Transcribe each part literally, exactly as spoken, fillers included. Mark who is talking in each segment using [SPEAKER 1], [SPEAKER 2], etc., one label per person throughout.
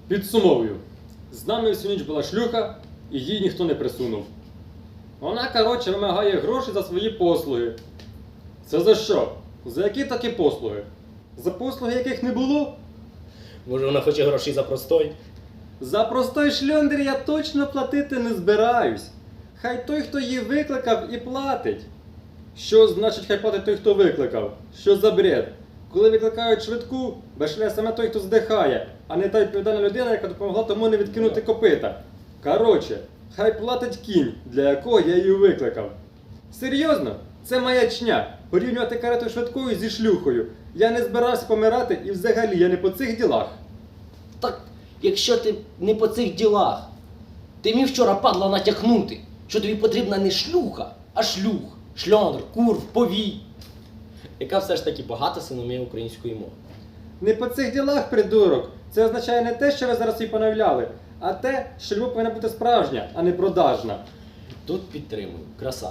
[SPEAKER 1] Підсумовую. З нами всю ніч була шлюха, і їй ніхто не присунув. Вона, коротше, вимагає гроші за свої послуги. Це за що? За які такі послуги? За послуги, яких не було?
[SPEAKER 2] Може, вона хоче грошей за простой?
[SPEAKER 1] За простой шльондер я точно платити не збираюсь. Хай той, хто її викликав, і платить. Що значить хай платить той, хто викликав? Що за бред? Коли викликають швидку, бешля саме той, хто здихає, а не та відповідальна людина, яка допомогла тому не відкинути копита. Короче, хай платить кінь, для якого я її викликав. Серйозно? Це маячня. Порівнювати карету швидкою зі шлюхою. Я не збирався помирати і взагалі я не по цих ділах.
[SPEAKER 2] Так, якщо ти не по цих ділах, ти міг вчора, падла, натякнути, що тобі потрібна не шлюха, а шлюх, шльондр, курв, повій. Яка все ж таки багата синомія української мови.
[SPEAKER 1] Не по цих ділах, придурок. Це означає не те, що ви зараз її понавляли, а те, що любов повинна бути справжня, а не продажна.
[SPEAKER 2] Тут підтримую, красава.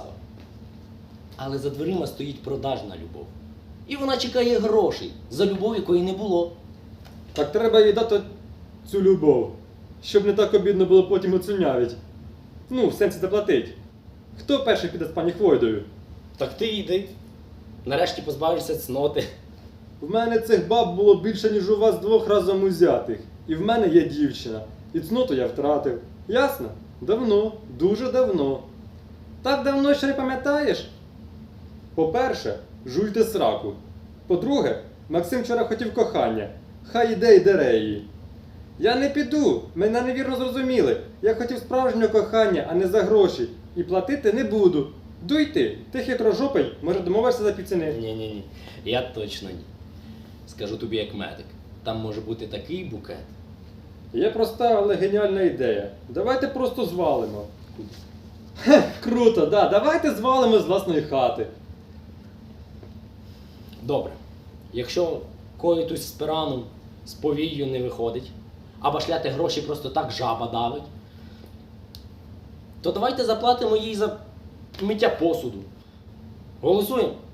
[SPEAKER 2] Але за дверима стоїть продажна любов. І вона чекає грошей за любов, якої не було.
[SPEAKER 1] Так треба їй дати цю любов, щоб не так обідно було потім оцінявить. Ну, в сенсі заплатить. Хто перший піде з пані Хвойдою?
[SPEAKER 2] Так ти йди. Нарешті позбавишся цноти.
[SPEAKER 1] В мене цих баб було більше, ніж у вас двох разом узятих. І в мене є дівчина. І цноту я втратив. Ясно? Давно, дуже давно. Так давно, що не пам'ятаєш? По-перше, жуйте сраку. По-друге, Максим вчора хотів кохання. Хай іде й дере її. Я не піду, мене невірно зрозуміли. Я хотів справжнього кохання, а не за гроші. І платити не буду. Дуй ти, ти хитрожопий, може домовишся за півціни.
[SPEAKER 2] Ні-ні-ні, я точно ні. Скажу тобі як медик. Там може бути такий букет.
[SPEAKER 1] Є проста, але геніальна ідея. Давайте просто звалимо. Хе, круто, да, давайте звалимо з власної хати.
[SPEAKER 2] Добре. Якщо коїтусь з пираном, з повією не виходить, а башляти гроші просто так жаба давить, то давайте заплатимо їй за миття посуду. Голосуємо?